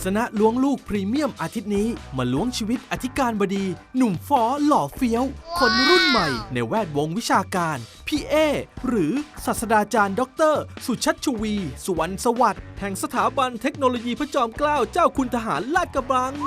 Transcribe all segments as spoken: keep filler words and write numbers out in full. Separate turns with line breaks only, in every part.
ษณะล้วงลูกพรีเมียมอาทิตย์นี้มาล้วงชีวิตอธิการบดี หนุ่มฟ้อหล่อเฟี้ยว คนรุ่นใหม่ในแวดวงวิชาการพี่เอหรือศาสตราจารย์ด็อกเตอร์สุชัชวี สุวรรณสวัสดิ์แห่งสถาบันเทคโนโลยีพระจอมเกล้าเจ้าคุณทหารลาดกระบัง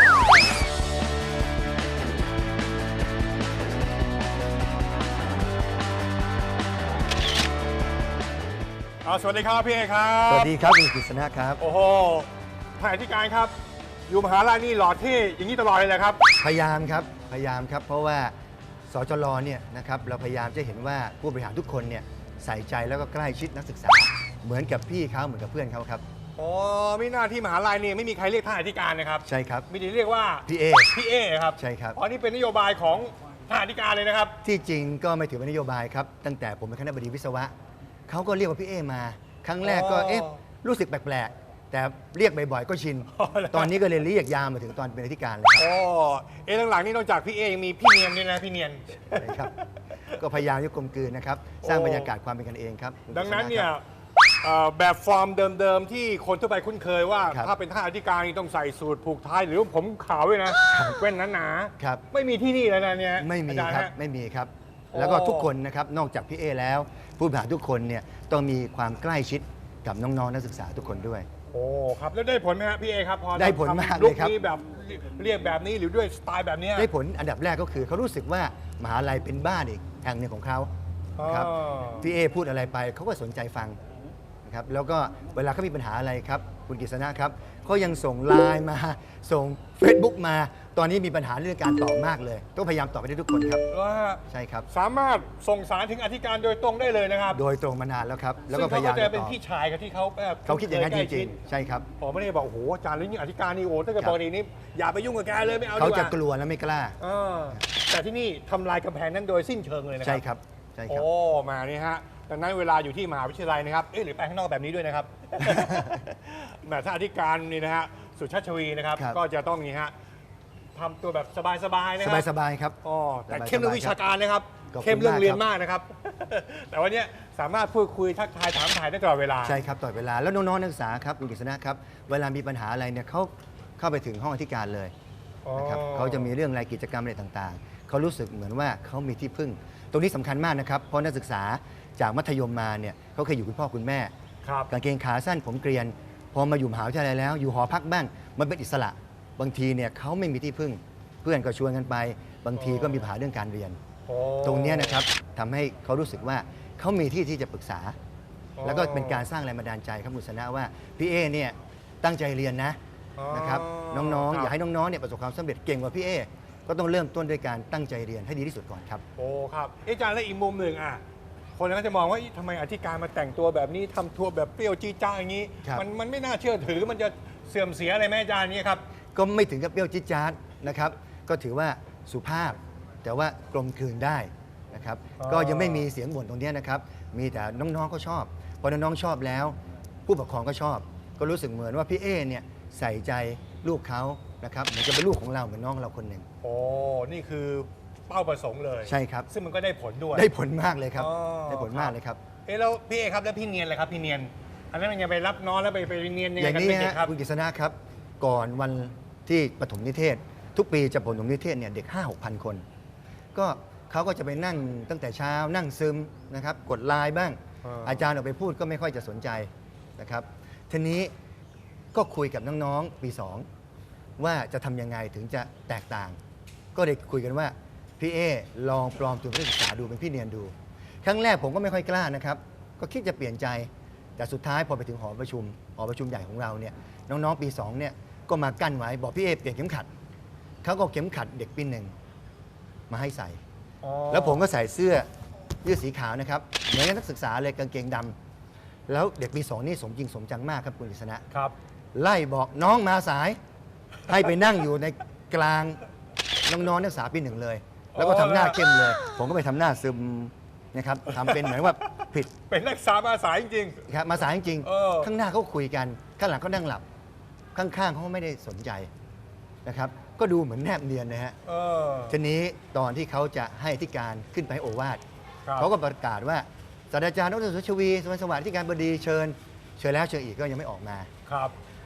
สวัสดีครับพี่เอครับ
สวัสดีครับคุณกฤษณะครับ
โอ้โหท่านอธิการครับอยู่มหาลัยนี่หล่อเท่อย่างนี้ตลอดเลยนะครับ
พยายามครับพยายามครับเพราะว่าสจลเนี่ยนะครับเราพยายามจะเห็นว่าผู้บริหารทุกคนเนี่ยใส่ใจแล้วก็ใกล้ชิดนักศึกษาเหมือนกับพี่เขาเหมือนกับเพื่อนเขาครับ
อ๋อไม่น่าที่มหาลัยนี่ไม่มีใครเรียกท่านอธิการนะครับ
ใช่ครับ
ไม่ได้เรียกว่า
พี่เอ
พี่เอครับ
ใช่ครับ
อ๋อนี่เป็นนโยบายของท่านอธิการเลยนะครับ
ที่จริงก็ไม่ถือเป็นนโยบายครับตั้งแต่ผมเป็นคณบดีวิศวะเขาก็เรียกว่าพี่เอมาครั้งแรกก็เอ๊ะรู้สึกแปลกๆแต่เรียกบ่อยๆก็ชินตอนนี้ก็เลยเรียกยาวมาถึงตอนเป็นอธิการเลยครับ
อ๋อเอ๊ะหลังๆนี่นอกจากพี่เอยังมีพี่เนียนด้วยนะพี่เนียน
ใช่ครับก็พยายามจะกลมกลืนนะครับสร้างบรรยากาศความเป็นกันเองครับ
ดังนั้นเนี่ยแบบฟอร์มเดิมๆที่คนทั่วไปคุ้นเคยว่าถ้าเป็นท่านอธิการต้องใส่สูทผูกไทยหรือผมขาวด้วยนะแว่นหนาๆไม่มีที่นี่แล้วนะเนี่ย
ไม่มีครับไม่มีครับแล้วก็ทุกคนนะครับนอกจากพี่เอแล้วผู้บริหารทุกคนเนี่ยต้องมีความใกล้ชิดกับน้องๆนักศึกษาทุกคนด้วย
โอ้ครับแล้วได้ผลไหมครับพี่เอครับพอ
ได้ผลมากเลยครับ
ลุคนี้แบบเรียกแบบนี้หรือด้วยสไตล์แบบนี้
ได้ผลอันดับแรกก็คือเขารู้สึกว่ามหาลัยเป็นบ้านอีกแห่งหนึ่งของเขาครับพี่เอพูดอะไรไปเขาก็สนใจฟังนะครับแล้วก็เวลาเขามีปัญหาอะไรครับคุณกฤษณะครับเขายังส่งไลน์มาส่ง Facebook มาตอนนี้มีปัญหาเรื่องการตอบมากเลยต้องพยายามตอบไปได้ทุกคนครับใช่ครับ
สามารถส่งสารถึงอธิการโดยตรงได้เลยนะครับ
โดยตรงมานานแล้วครับแล้วก็พยายาม
จะเป็นพี่ชายกับที่เขา
เขาคิดอย่างนั้นจริงๆใช่ครับ
ผมไม่ได้บอกโอ้โหอาจารย์หรือยิ่งอธิการนี่โอ้ถ้าเกิดปกตินี้อย่าไปยุ่งกับแกเลยไม่เอา
เขาจะกลัวและไม่กล้า
แต่ที่นี่ทำลายกำแพงนั้นโดยสิ้นเชิงเลยนะครับ
ใช่ครับใช่ครับ
โอ้มานี่ฮะดังนั้นเวลาอยู่ที่มหาวิทยาลัยนะครับเอ๊ะหรือไปข้างนอกแบบนี้ด้วยนะครับแม่ท่านอธิการนี่นะฮะสุชาติวีนะครับก็จะต้องนี่ฮะทำตัวแบบสบายๆนะครับ
สบายๆครับ
อ๋อแต่เข้มเรื่องวิชาการนะครับเข้มเรื่องเรียนมากนะครับแต่วันนี้สามารถพูดคุยทักทายถามถ่ายได้ตลอดเวลา
ใช่ครับตลอดเวลาแล้วน้องๆนักศึกษาครับคุณกฤษณะครับเวลามีปัญหาอะไรเนี่ยเขาเข้าไปถึงห้องอธิการเลยนะครับเขาจะมีเรื่องรายกิจกรรมอะไรต่างๆเขารู้สึกเหมือนว่าเขามีที่พึ่งตรงนี้สำคัญมากนะครับเพราะนักศึกษาจากมัธยมมาเนี่ยเขาเคยอยู่คุณพ่อคุณแม่กางเกงขาสั้นผมเกรียนพอมาอยู่มหาวิทยาลัยแล้วอยู่หอพักบ้างมันเป็นอิสระบางทีเนี่ยเขาไม่มีที่พึ่งเพื่อนก็ชวนกันไปบางทีก็มีปัญหาเรื่องการเรียนตรงนี้นะครับทำให้เขารู้สึกว่าเขามีที่ที่จะปรึกษาแล้วก็เป็นการสร้างแรงบันดาลใจครับมุสนะว่าพี่เอเนี่ยตั้งใจเรียนนะนะครับน้องๆอยากให้น้องๆเนี่ยประสบความสำเร็จเก่งกว่าพี่เอก็ต้องเริ่มต้นด้วยการตั้งใจเรียนให้ดีที่สุดก่อนครับ
โอ้ครับอาจารย์และอีกมุมหนึ่งอ่ะคนก็จะมองว่าทำไมอธิการมาแต่งตัวแบบนี้ทำทัวร์แบบเปรี้ยวจี้จ้าอย่างนี้มันมันไม่น่าเชื่อถือมันจะเสื่อมเสียอะไรไหมอาจารย์นี่ครับ
ก็ไม่ถึงกับเปรี้ยวจี้จ้านะครับก็ถือว่าสุภาพแต่ว่ากลมกลืนได้นะครับก็ยังไม่มีเสียงบ่นตรงนี้นะครับมีแต่น้องๆก็ชอบพอน้องๆชอบแล้วผู้ปกครองก็ชอบก็รู้สึกเหมือนว่าพี่เอเนี่ยใส่ใจลูกเขานะครับเหมือนจะเป็นลูกของเราเหมือนน้องเราคนหนึ่ง
โอ้นี่คือเป้าประสงค์เลย
ใช่ครับ
ซึ่งมันก็ได้ผลด้วย
ได้ผลมากเลยครับได้ผลมากเลยครับ
เอ๊ะแล้วพี่เอครับแล้วพี่เนียนเลยครับพี่เนียนอันนั้นมันยังไปรับน้องแล้วไปไปเนียนยังไงกัน
ไม่ได้ครับคุณกฤษณะครับก่อนวันที่ปฐมนิเทศทุกปีจะปฐมนิเทศเนี่ยเด็ก ห้าหกพัน คนก็เขาก็จะไปนั่งตั้งแต่เช้านั่งซึมนะครับกดไลน์บ้างอาจารย์ออกไปพูดก็ไม่ค่อยจะสนใจนะครับทีนี้ก็คุยกับน้องๆปีสองว่าจะทำยังไงถึงจะแตกต่างก็ได้คุยกันว่าพี่เอลองปลอมตัวเป็นนักศึกษาดูเป็นพี่เนียนดูครั้งแรกผมก็ไม่ค่อยกล้านะครับก็คิดจะเปลี่ยนใจแต่สุดท้ายพอไปถึงหอประชุมหอประชุมใหญ่ของเราเนี่ยน้องๆปีสองเนี่ยก็มากั้นไว้บอกพี่เอเปลี่ยนเข็มขัดเขาก็เข็มขัดเด็กปีหนึ่งมาให้ใส่แล้วผมก็ใส่เสื้อยืดสีขาวนะครับเหมือนนักศึกษาเลยกางเกงดำแล้วเด็กปีสองนี่สมจริงสมจังมากครับคุณกฤษณะ
ครับ
ไล่บอกน้องมาสายให้ไปนั่งอยู่ในกลางน้องๆนักศึกษาปีหนึ่งเลยแล้วก็ทำหน้าเข้มเลยผมก็ไปทำหน้าซึมนะครับทำเป็นเหมือนว่าผิด
เป็นนักศึกษามาสายจริง
ๆครับมาสายจริงๆข้างหน้าเขาคุยกันข้างหลังเขานั่งหลับข้างๆเขาไม่ได้สนใจนะครับก็ดูเหมือนแนบเนียนนะฮะทีนี้ตอนที่เขาจะให้อธิการขึ้นไปโอวาทเขาก็ประกาศว่าศาสตราจารย์ดร.สุชวีสุวรรณสวัสดิ์อธิการบดีเชิญเชิญแล้วเชิญอีกก็ยังไม่ออกมา
ครับ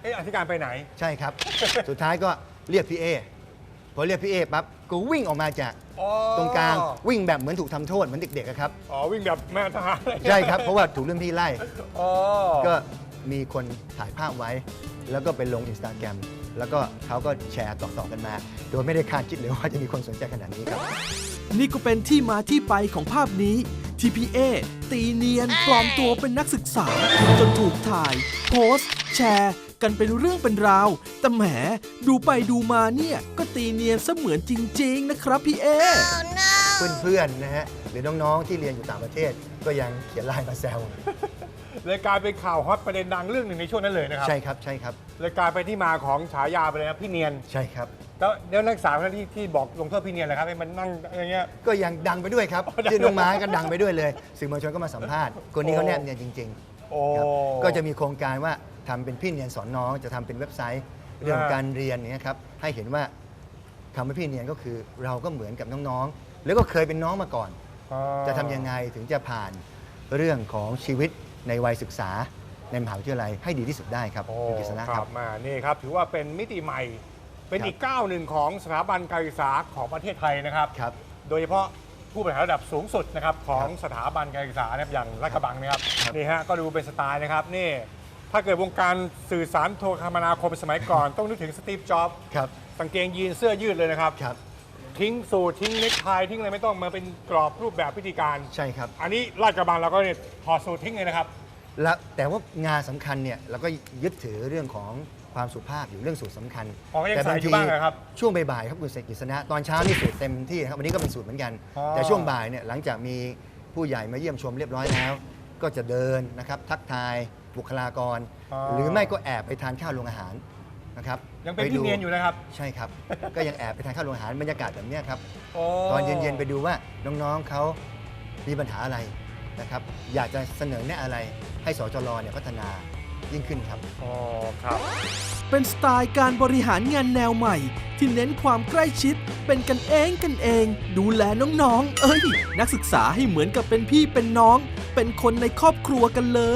เอ๊ะอธิการไปไหน
ใช่ครับ สุดท้ายก็เรียกพี่เอพอเรียกพี่เอปั๊บก็วิ่งออกมาจาก
อ๋อ
ตรงกลางวิ่งแบบเหมือนถูกทำโทษเหมือนเด็กๆอะครับ
อ๋อวิ่งแบบแม่ทหาร
ใช่ครับเพราะว่าถูกรุ่นพี่ไล่
อ๋อ
ก็มีคนถ่ายภาพไว้ แล้วก็ไปลงอินสตาแกรมแล้วก็เขาก็แชร์ต่อๆกันมา โดยไม่ได้คาดคิดเลยว่าจะมีคนสนใจขนาดนี้ครับ
นี่ก็เป็นที่มาที่ไปของภาพนี้ที่พี่เอตีเนียนปลอมตัวเป็นนักศึกษา จนถูกถ่าย โพสต์ แชร์ กันเป็นเรื่องเป็นราว แต่แหมดูไปดูมาเนี่ยก็ตีเนียนเสมือนจริง ๆ นะครับพี่เอ
เพื่อนๆนะฮะหรือน้องๆที่เรียนอยู่ต่างประเทศ ก็ยังเขียนไลน์มาแซว
เลยกลายเป็นข่าวฮอตประเด็นดังเรื่องหนึ่งในช่วงนั้นเลยนะครับ
ใช่ครับใช่ครับ
เลยกลายเป็นที่มาของฉายาไปเลยนะพี่เนียน
ใช่ครับ
แล้วเดี๋ยวนักศึกษาคนนั้นที่ที่บอกลงโทษพี่เนียนเลยครับให้มันนั่งอย่างเงี้ย
ก็ยังดังไปด้วยครับ
อ๋อดัง
ชื่อน้องม้าก็ดังไปด้วยเลย สื่อมวลชนก็มาสัมภาษณ์คนนี้เขาแนบเนียนจริง
โอ้
ๆครับก็จะมีโครงการว่าทำเป็นพี่เนียนสอนน้องจะทำเป็นเว็บไซต์ เรื่องการเรียนเนี่ยครับให้เห็นว่าคำว่าพี่เนียนก็คือเราก็เหมือนกับน้องๆแล้วก็เคยเป็นน้องมาก่อน จะทำยังไงถึงจะผ่านเรื่องของชีวิตในวัยศึกษาในมหาวิทยาลัยให้ดีที่สุดได้ครับ
โอ้
คุณกฤษณะ
ค
ค
รั
รั
บบ มานี่ครับถือว่าเป็นมิติใหม่ เป็น
ครับ
อีกก้าวหนึ่งของสถาบันการศึกษาของประเทศไทยนะครับ
ครับ
โดยเฉพาะผู้บริหารระดับสูงสุดนะครับของ
ครับ
สถาบันการศึกษานะครับอย่างลาดกระบังนะครับ
ครับ
นี่ฮะก็ดูเป็นสไตล์นะครับนี่ถ้าเกิดวงการสื่อสารโทรคมนาคมสมัยก่อน ต้องนึกถึงสตีฟจ็อบส์
ครับ
กางเกงยีนเสื้อยืดเลยนะครับ
ครับ
ทิ้งสูททิ้งเนคไททิ้งอะไรไม่ต้องมาเป็นกรอบรูปแบบพิธีการ
ใช่ครับ
อันนี้ลาดกระบังเราก็เนี่ยถอดสูททิ้งเลยนะครับ
แล้วแต่ว่างานสำคัญเนี่ยเราก็ยึดถือเรื่องของความสุภาพอยู่เรื่องสูตรสำคัญ
อ๋อก็ยัง
แต่
ใส่อยู่บ้างเหรอครับ
ช่วงบ่ายๆครับคุณเสกกฤษณะตอนเช้านี่สูตรเต็มที่ครับวันนี้ก็เป็นสูตรเหมือนกัน
อ๋อ
แต่ช่วงบ่ายเนี่ยหลังจากมีผู้ใหญ่มาเยี่ยมชมเรียบร้อยแล้ว ก็จะเดินนะครับทักทายบุคลากร หรือไม่ก็แอบไปทานข้าวโรงอาหารนะครับ
ยังเป็น
ไดู
พี่เนียนอยู่นะครับ
ใช่ครับ ก็ยังแอบไปทานข้าวโรงอาหารบรรยากาศแบบเนี้ยครับ
โอ้
ตอนเย็นๆไปดูว่าน้องๆเขามีปัญหาอะไรนะครับ อยากจะเสนอแนะอะไรให้สจรเนี่ยพัฒนายิ่งขึ้นครับ
อ๋อครับ
เป็นสไตล์การบริหารงานแนวใหม่ ที่เน้นความใกล้ชิด เป็นกันเองกันเอง ดูแลน้องๆ เอ้ย นักศึกษาให้เหมือนกับเป็นพี่เป็นน้อง เป็นคนในครอบครัวกันเลย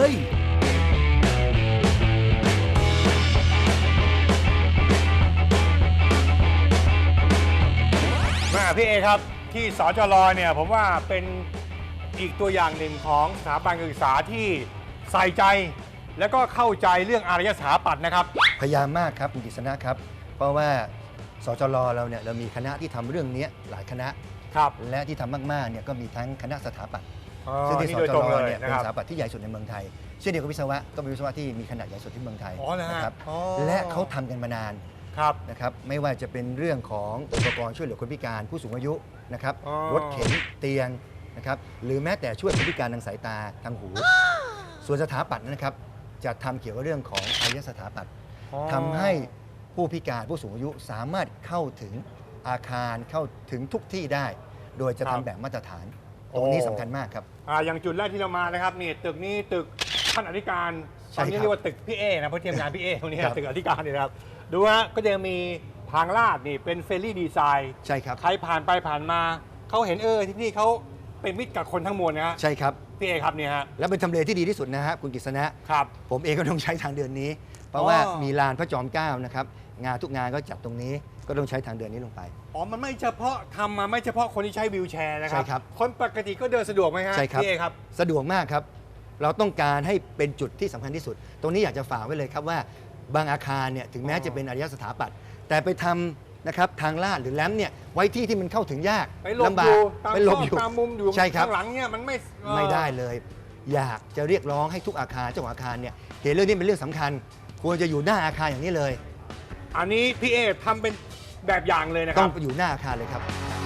แม่พี่เอครับที่สจรเนี่ยผมว่าเป็นอีกตัวอย่างหนึ่งของสถาบันการศึกษาที่ใส่ใจ และก็เข้าใจเรื่องอารยสถาปัตย์นะครับ
พยายามมากครับคุณกฤษณะครับ เพราะว่าสจรเราเนี่ยเรามีคณะที่ทำเรื่องนี้หลายคณะ
ครับ
และที่ทำมากๆเนี่ยก็มีทั้งคณะสถาปัตย์
อ๋อ
ซึ่งที่
นี่
ส
โดย
จ
ตรง
ร
เลย
เนี่ย
นะ
เป็น
ครับ
สถาปัตย์ที่ใหญ่สุดในเมืองไทยเช่นเดียวกับวิศวะก็เป็นวิศวะที่มีขนาดใหญ่สุดที่เมืองไทย
อ๋อเหรอฮะ
นะครับ
อ๋อ
และเขาทำกันมานาน
ครับ
นะครับไม่ว่าจะเป็นเรื่องของอุปกรณ์ช่วยเหลือคนพิการผู้สูงอายุนะครับ
อ๋อ
รถเข็นเตียงนะครับหรือแม้แต่ช่วยคนพิการทางสายตาทางหู ส่วนสถาปัตย์นะครับจะทำเกี่ยวกับเรื่องของอารยสถาปัตย์
อ๋อ
ทำให้ผู้พิการผู้สูงอายุสามารถเข้าถึงอาคารเข้าถึงทุกที่ได้ โดยจะทำแบบมาตรฐาน ตรงนี้สำคัญมากครับ
อ่าอย่างจุดแรกที่เรามานะครับนี่ตึกนี้ตึกท่านอธิการ
ใช่
ตอนนี้
ครับ
เรียกว่าตึกพี่เอนะเพราะเทียมงานพี่เอตรงนี้
ครับ
ตึกอธิการนี่นะครับดูฮะก็จะมีทางลาดนี่เป็นเฟรนลี่ดีไซน์
ใช่ครับ
ใครผ่านไปผ่านมาเขาเห็นเออที่นี่เขาเป็นมิตรกับคนทั้งมวลนะฮะ
ใช่ครับ
พี่เอครับเนี่ยฮะ
และเป็นทำเลที่ดีที่สุดนะฮะคุณกฤษณะ
ครับ
ผมเองก็ต้องใช้ทางเดินนี้ เพราะ
อ๋อ
ว่ามีลานพระจอมเกล้านะครับงานทุกงานก็จัดตรงนี้ก็ต้องใช้ทางเดินนี้ลงไป
อ๋อมันไม่เฉพาะทำมาไม่เฉพาะคนที่ใช้วีลแชร์นะครั
ใช่ครับ
คนปกติก็เดินสะดวกไหมฮะ
ใช่ครับ
พี่เอครับ
สะดวกมากครับ เราต้องการให้เป็นจุดที่สำคัญที่สุด ตรงนี้อยากจะฝากไว้เลยครับว่าบางอาคารเนี่ยถึงแม้
อ๋อ
จะเป็นอารยสถาปัตย์แต่ไปทำนะครับทางลาดหรือแลมป์เนี่ยไว้ที่ที่มันเข้าถึงยาก
ไปหลบ
ลำบา
อก ยู่ตาม
ไปหล
ซ
บอก อยู่
ตามมุมอยู่
ใช่ครับ
ข้างหลังเนี่ยมันไม่เอ่อ
ไม่ได้เลย อยากจะเรียกร้องให้ทุกอาคารเจ้าของอาคารเนี่ยเห็นเรื่องนี้เป็นเรื่องสำคัญ ควรจะอยู่หน้าอาคารอย่างนี้เลย
อันนี้พี่เอทำเป็นแบบอย่างเลยนะค
ต้อ
รั
ง
บ
ไปอยู่หน้าอาคารเลยครับ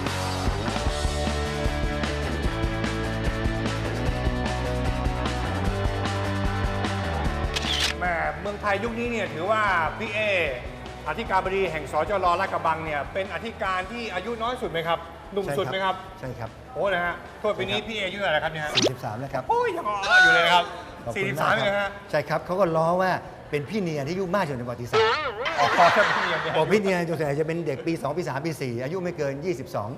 แหม่เมืองไทยยุคนี้เนี่ยถือว่าพี่เออธิการบดีแห่งสจรลาดกระบังเนี่ยเป็นอธิการที่อายุน้อยสุดไหมครับหนุ่มสุดไหมครับ
ใช่ครับ
โอ้นะฮะโทษปีนี้พี่เออายุเท่าไหร่ครับเนี่ยฮะ
สี่สิบสามแล้วครับ
โอ้ยยังอ่อนอยู่เลยนะครับ
ขอบ
สี่
คุ
สิ
ณ
บสาม
ก
เลย
ค
ฮะ
รับใช่ครับเขาก็ล้อว่าเป็นพี่เนียที่อายุมากที่สุดในประวัติศาสตร์
อ๋อถ้าพี่เนียนเนี่ย
บอกพี่เนียส่วนใหญ่จะเป็นเด็กปีสองปีสามปีสี่อายุไม่เกินยี่สิบสอง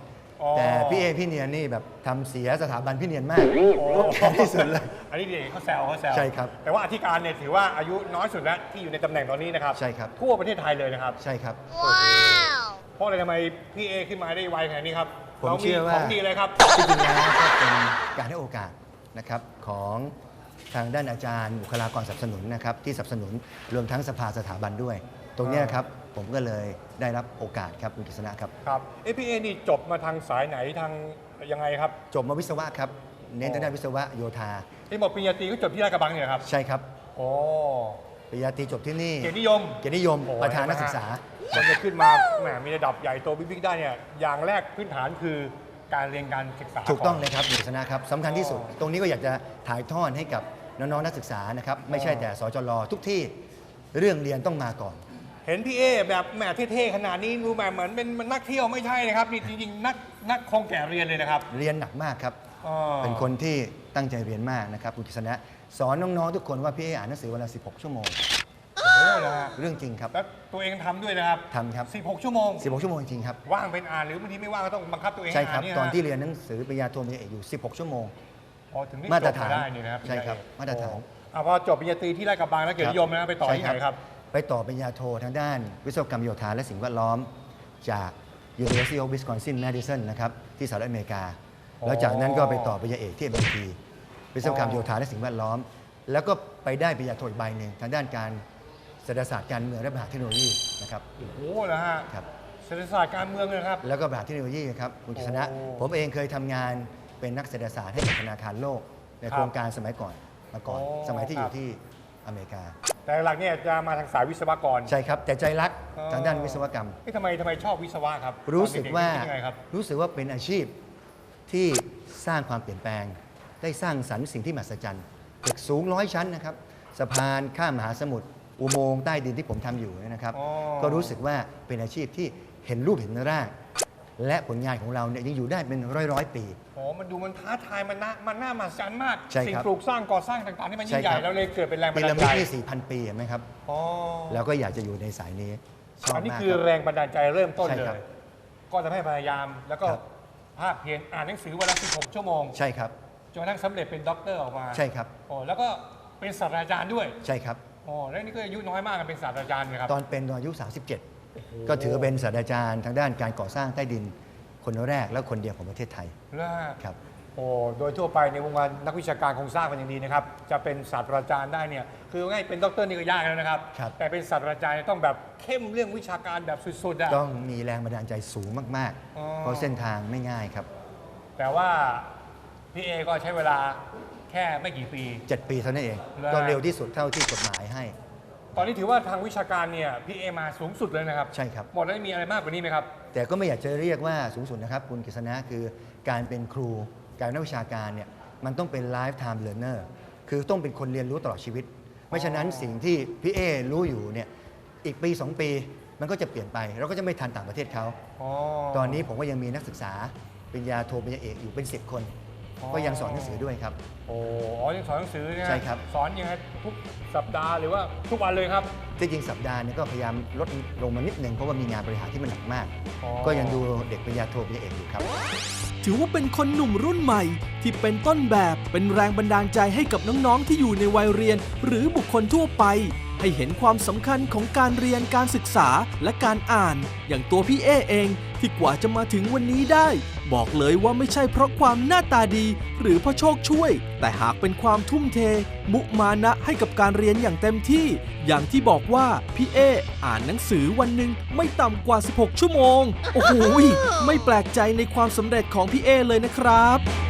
อ๋อ
แต่พี่เอพี่เนียนนี่แบบทำเสียสถาบันพี่เนียนมาก
โอ้
แค่ที่สุดเลย
อันนี้เด็กเขาแซวเขาแซว
ใช่ครับ
แต่ว่าอธิการเนี่ยถือว่าอายุน้อยสุดแล้วที่อยู่ในตำแหน่งตอนนี้นะครับ
ใช่ครับ
ทั่วประเทศไทยเลยนะครับ
ใช่ครับ
เพราะอะไรทำไมพี่เอขึ้นมาได้ไวขนาดนี้ครับ
ผม
เรา
เชื่อว่า
ของดีเลยครับ
ที่จริงแล้วก็เป็นการให้โอกาสนะครับของทางด้านอาจารย์บุคลากรสนับสนุนนะครับที่สนับสนุนรวมทั้งสภาสถาบันด้วย ตรงเนี้ยครับผมก็เลยได้รับโอกาสครับคุณกฤษณะครับ
ครับเอพี่เอนี่จบมาทางสายไหนทางยังไงครับ
จบมาวิศวะครับ เน้นทางด้านวิศวะโยธา
ที่บอกปริญญาตรีก็จบที่ราชกระบังเนี่ยครับ
ใช่ครับ
โอ้
ปริญญาตรีจบที่นี่
เกียรตินิยม
เกียรตินิยม
โอ้
ประธานนักศึกษา
มันจะขึ้นมาแหมมีระดับใหญ่โตบิ๊กๆได้เนี่ยอย่างแรกพื้นฐานคือการเรียนการศึกษา
ถูกต้อง
น
เลยครับคุณกฤษณะครับสำคัญที่สุด ตรงนี้ก็อยากจะถ่ายทอดให้กับน้องๆนักศึกษานะครับไม่ใช่แต่สจรทุกที่เรื่องเรียนต้องมาก่อน
เห็นพี่เอแบบแหมเท่ๆขนาดนี้ดูแบบเหมือนเป็นมันนักเที่ยวไม่ใช่นะครับนี่จริงๆนักนักคงแก่เรียนเลยนะครับ
เรียนหนักมากครับ
อ๋อ
เป็นคนที่ตั้งใจเรียนมากนะครับคุณกฤษณะสอนน้องๆทุกคนว่าพี่เออ่านหนังสือวันละสิบหกชั่วโมง
โอ้โหนะฮะ
เรื่องจริงครับ
แล้วตัวเองทำด้วยนะครับ
ทำครับ
สิบหกชั่วโมง
สิบหกชั่วโมงจริงๆครับ
ว่างเป็นอ่านหรือบางทีไม่ว่างก็ต้องบังคับตัวเอง
ใช่
ให้
ครับ
อ่านเนี่ย
ตอน
ฮะ
ที่เรียนหนังสือปริญญาโทปริญญาเอกอยู่สิบหกชั่วโมง
อ๋อถึงได้
มาตร
จบ
ฐาน
ได้นี่นะครับ
ใช่ครับมาตรฐาน
อ่ะพอจบปริญญาตรีที่ราชกระบังแล้วเกียรตินิยมนะไปต่อที่ไหนครับ
ไปต่อปริญญาโททางด้านวิศวกรรมโยธาและสิ่งแวดล้อม จาก University of Wisconsin Madison นะครับที่สหรัฐอเมริกา
อ๋อ
แล้วจากนั้นก็ไปต่อปริญญาเอกที่ เอ็ม ไอ ที วิศวกรรมโยธาและสิ่งแวดล้อม แล้วก็ไปได้ปริญญาโทอีกใบหนึ่งทางด้านการเศรษฐศาสตร์การเมืองและบริหารเทคโนโลยีนะครับ
โอ้โหนะฮะ
ครับ
เศรษฐศาสตร์การเมืองเลยนะครับ
แล้วก็บริหารเทคโนโลยีครับคุณกฤษณะ
โอ้
ผมเองเคยทำงานเป็นนักเศรษฐศาสตร์ให้กับธนาคารโลก ใน
ครับ
โครงการสมัยก่อนมาก่อน
โอ้
สมัยที่อ
ครั
ยู่
บ
ที่อเมริกา
แต่หลักเนี่ยจะมาทางสายวิศวกร
ใช่ครับ แต่ใจรัก
อ๋อ
ทางด้านวิศวกรรม
เอ๊ะทำไมทำไมชอบวิศวะครับ
รู้สึกว่า
ตอนเด็ๆคิดยังไงครับ
รู้สึกว่าเป็นอาชีพที่สร้างความเปลี่ยนแปลง ได้สร้างสรรค์สิ่งที่มหัศจรรย์ตึกสูงร้อยชั้นนะครับสะพานข้ามมหาสมุทรอุโมงค์ใต้ดินที่ผมทำอยู่เนี่ยนะครับ
อ๋อ
ก็รู้สึกว่าเป็นอาชีพที่เห็นรูปเห็นร่างและผลงานของเราเนี่ยยังอยู่ได้เป็นร้อยร้อยๆปี
โอ้มันดูมันท้าทายมันน่ามันน่ามหัศจรรย์มาก
ใช่ครับ
สิ่งปลูกสร้างก่อสร้างต่างๆที่มันยิ่งใหญ่
ใช่ครับ
แล้วเลยเกิดเป็นแรงบั
พี
นดา
ระ
ล
มิด
ใจ
นี่สี่พันปีเห็นไหมครับ
อ๋อ
แล้วก็อยากจะอยู่ในสายนี้ชอบ
อันนี้
มาก
คือ
ครับ
แรงบันดาลใจเริ่มต้น
ใช่
เล
ครับ
ย ก็จะให้พยายามแล้วก็
ครับ
ภาคเพียรอ่านหนังสือวันละสิบหกชั่วโมง
ใช่ครับ
จนกระทั่งสำเร็จเป็นด็อกเตอร์ออกมา
ใช่ครับ
โอ้แล้วก็เป็นศาสตราจารย์ด้วย
ใช่ครับ
โอ้แล้วนี่ก็อายุน้อยมากกันเป็นศาสตราจารย์นะครับ
ตอนเป็นตอนอายุ สามสิบเจ็ด ก็ถือเป็นศาสตราจารย์ทางด้านการก่อสร้างใต้ดินคนแรกและคนเดียวของประเทศไทย
แล้ว
ครับ
โอ้โดยทั่วไปในวงการนักวิชาการคงทราบกันอย่างดีนะครับ จะเป็นศาสตราจารย์ได้เนี่ยคือง่ายเป็นด็อกเตอร์นี่ก็ยากแล้วนะครับ
ครับ
แต่เป็นศาสตราจารย์เนี่ยต้องแบบเข้มเรื่องวิชาการแบบสุดๆอะ
ต้องมีแรงบันดาลใจสูงมาก
อ๋อ
ๆ เพราะเส้นทางไม่ง่ายครับ
แต่ว่าพี่เอก็ใช้เวลาแค่ไม่กี่ปี
เจ็ด ปีเท่านั้นเอง
แล้ว
ก็เร็วที่สุดเท่าที่กฎหมายให้
ตอนนี้ถือว่าทางวิชาการเนี่ยพี่เอมาสูงสุดเลยนะครับ
ใช่ครับ
หมดแล้วมีอะไรมากกว่านี้ไหมครับ
แต่ก็ไม่อยากจะเรียกว่าสูงสุดนะครับ คุณกฤษณะคือการเป็นครู การเป็นนักวิชาการเนี่ยมันต้องเป็น lifetime learner คือต้องเป็นคนเรียนรู้ตลอดชีวิต ไม่ฉะนั้นสิ่งที่พี่เอรู้อยู่เนี่ยอีกปี สอง ปีมันก็จะเปลี่ยนไป เราก็จะไม่ทันต่างประเทศเขา
อ๋อ
ตอนนี้ผมก็ยังมีนักศึกษาปริญญาโทปริญญาเอกอยู่เป็นสิบคน
อ๋อ
ก็ยังสอนหนังสือด้วยครับ
โอ้อ๋อยังสอนหนังสือเนี่ย
ใช่ครับ
สอนยังไงทุกสัปดาห์หรือว่าทุกวันเลยครับ
ที่จริงสัปดาห์เนี้ก็พยายามลดลงมานิดหนึ่งเพราะว่ามีงานบริหารที่มันหนักมาก
อ๋อ
ก็ยังดูเด็กปริญญาโทปริญญาเอกอยู่ครับ
ถือว่าเป็นคนหนุ่มรุ่นใหม่ ที่เป็นต้นแบบเป็นแรงบันดาลใจให้กับน้องๆที่อยู่ในวัยเรียน หรือบุคคลทั่วไป ให้เห็นความสำคัญของการเรียนการศึกษาและการอ่าน อย่างตัวพี่เอเองที่กว่าจะมาถึงวันนี้ได้ บอกเลยว่าไม่ใช่เพราะความหน้าตาดี หรือเพราะโชคช่วย แต่หากเป็นความทุ่มเท มุมานะให้กับการเรียนอย่างเต็มที่ อย่างที่บอกว่าพี่เออ่านหนังสือวันหนึ่งไม่ต่ำกว่า สิบหก ชั่วโมง โอ้โหไม่แปลกใจในความสำเร็จของพี่เอเลยนะครับ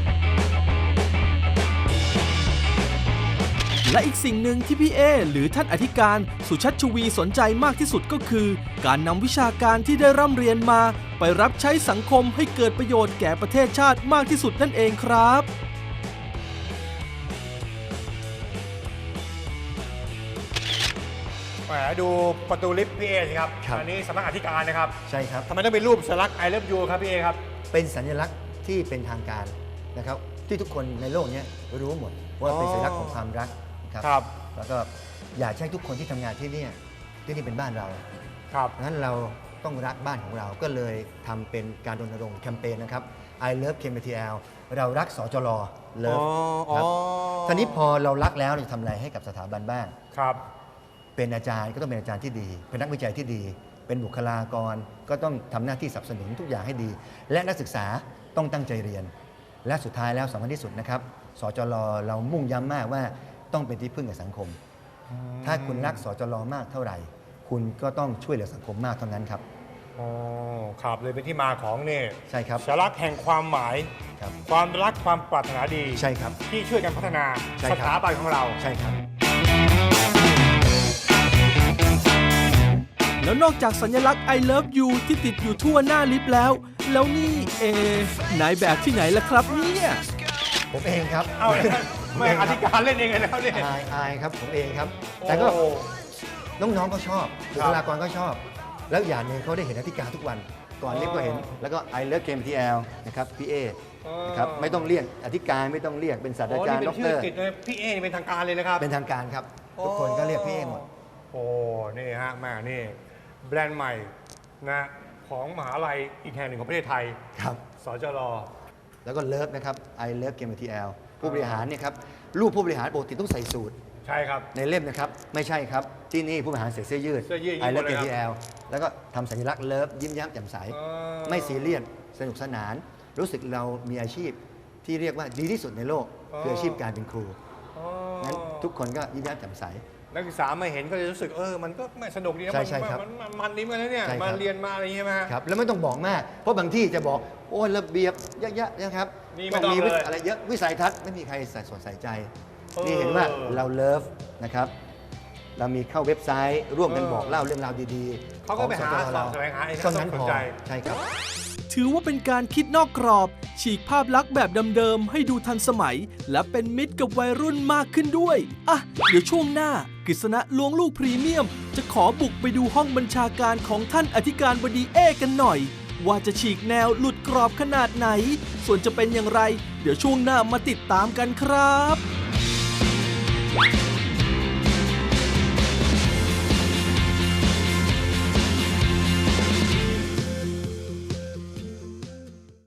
และอีกสิ่งหนึ่งที่พี่เอหรือท่านอธิการสุชัชวีสนใจมากที่สุดก็คือ การนำวิชาการที่ได้ร่ำเรียนมา ไปรับใช้สังคมให้เกิดประโยชน์แก่ประเทศชาติมากที่สุดนั่นเองครับ
แหมดูประตูลิฟต์พี่เอสิครับ
ครับ
อันนี้สำนักอธิการนะครับ
ใช่ครับ
ทำไมต้องเป็นรูปสัญลักษณ์ I love you ครับพี่เอครับ
เป็นสัญลักษณ์ที่เป็นทางการนะครับที่ทุกคนในโลกเนี้ยรู้หมดว่าเป็นสัญลักษณ์ของความรักนะครับ
ครับ
แล้วก็อยากให้ทุกคนที่ทำงานที่เนี่ยที่นี่เป็นบ้านเรา
ครับ
งั้นเราต้องรักบ้านของเราก็เลยทำเป็นการรณรงค์แคมเปญนะครับ I Love เค เอ็ม ที แอล เรารักสจลเลิฟครับทีนี้พอเรารักแล้วเราจะทำอะไรให้กับสถาบันบ้าง
ครับ
เป็นอาจารย์ก็ต้องเป็นอาจารย์ที่ดี เป็นนักวิจัยที่ดี เป็นบุคลากรก็ต้องทำหน้าที่สนับสนุนทุกอย่างให้ดี และนักศึกษาต้องตั้งใจเรียน และสุดท้ายแล้วสำคัญที่สุดนะครับสจลเรามุ่งย้ำมากว่าต้องเป็นที่พึ่งกับสังคม ถ้าคุณรักสจลมากเท่าไหร่ คุณก็ต้องช่วยเหลือสังคมมากเท่านั้นครับ
อ๋อครับเลยเป็นที่มาของเนี่ย
ใช่ครับ
สัญลักษณ์แห่งความหมาย
ครับ
ความรักความปรารถนาดี
ใช่ครับ
ที่ช่วยกันพัฒนา
ใช่
ส
ครับ
ถาบันของเรา
ใช่ครับ
แล้วนอกจากสัญลักษณ์ I love you ที่ติดอยู่ทั่วหน้าลิฟต์แล้ว แล้วนี่เอนายแบบที่ไหนล่ะครับเนี่ย
ผมเองครับ
เอ้าไม่อธิการเล่นเองเลยแล้วเนี่ย
อายอายครับผมเองครับ แต่ก็
โอ้
น้องๆก็ชอบบุคลากรก็ชอบ แล้วอย่างหนึ่งเขาได้เห็นอธิการทุกวัน ก่อนเรียกก็เห็น แล้วก็ I Love เค เอ็ม ที แอล นะครับพี่เอนะครับไม่ต้องเรียกอธิการไม่ต้องเรียกเป็นศาสต
อ๋
รา
อ
จาร
นี่
ย์
เป็
ด็อน กเต
ชื่
อ
อ
ร์
ติดเลยพี่เอนี่เป็นทางการเลยนะครับ
เป็นทางการครับ ทุกคนก็เรียกพี่เอหมด
โอ้ นี่ฮะแม่นี่แบรนด์ใหม่นะของมหาลัยอีกแห่งหนึ่งของประเทศไทย
ครับ
สจล
แล้วก็เลิฟนะครับ I Love เค เอ็ม ที แอล ผู้บริหารเนี่ยครับรูปผู้บริหารปกติต้องใส่สูท
ใช่ครับ
ในเล่มนะครับ ไม่ใช่ครับ ที่นี่ผู้บริหารใส่เสื้อยืด
เสื้อยืด
I Love
หมดเลย
เค
ครับ
ที แอล แล้วก็ทำสัญลักษณ์เลิฟยิ้มแย้มแจ่มใส
อ๋อ
ไม่ซีเรียสสนุกสนาน รู้สึกเรามีอาชีพที่เรียกว่าดีที่สุดในโลก คืออาชีพการเป็นครู
อ๋อ
งั้นทุกคนก็ยิ้มแย้มแจ่มใส
นักศึกษามาเห็นก็จะรู้สึกเออมันก็ไม่สนุกดีนะ
ใช่
มัน
ใช่ครับ
มันมันมันดีเหมือนกันนะเนี่ย
ใช่ครับ
มาเรียนมาอะไรอย่างเงี้ยไหม
ครับแล้วไม่ต้องบอกมาก เพราะบางที่จะบอกโอ้ยระเบียบเยอะๆนะครับ
นี่ไม่ต้อง
มี
เลย
อะไรเยอะวิสัยทัศน์ไม่มีใครใส่สนใส่ใจ
เออ
นี่เห็นว่าเราเลิฟนะครับ เรามีเข้าเว็บไซต์ร่วมกัน
เออ
บอกเล่าเรื่องราวดีๆ
เขาก็ไปหา
ของสต
สอบแสวงหาเอง
เท่านั้น
เขา
พ
ส
อน
ใจ
ใช่ครับ
ถือว่าเป็นการคิดนอกกรอบ ฉีกภาพลักษณ์แบบเดิมๆให้ดูทันสมัย และเป็นมิตรกับวัยรุ่นมากขึ้นด้วย อ่ะ เดี๋ยวช่วงหน้ากฤษณะลวงลูกพรีเมียม จะขอบุกไปดูห้องบัญชาการของท่านอธิการบดีเอกันหน่อย ว่าจะฉีกแนวหลุดกรอบขนาดไหน ส่วนจะเป็นอย่างไร เดี๋ยวช่วงหน้ามาติดตามกันครับ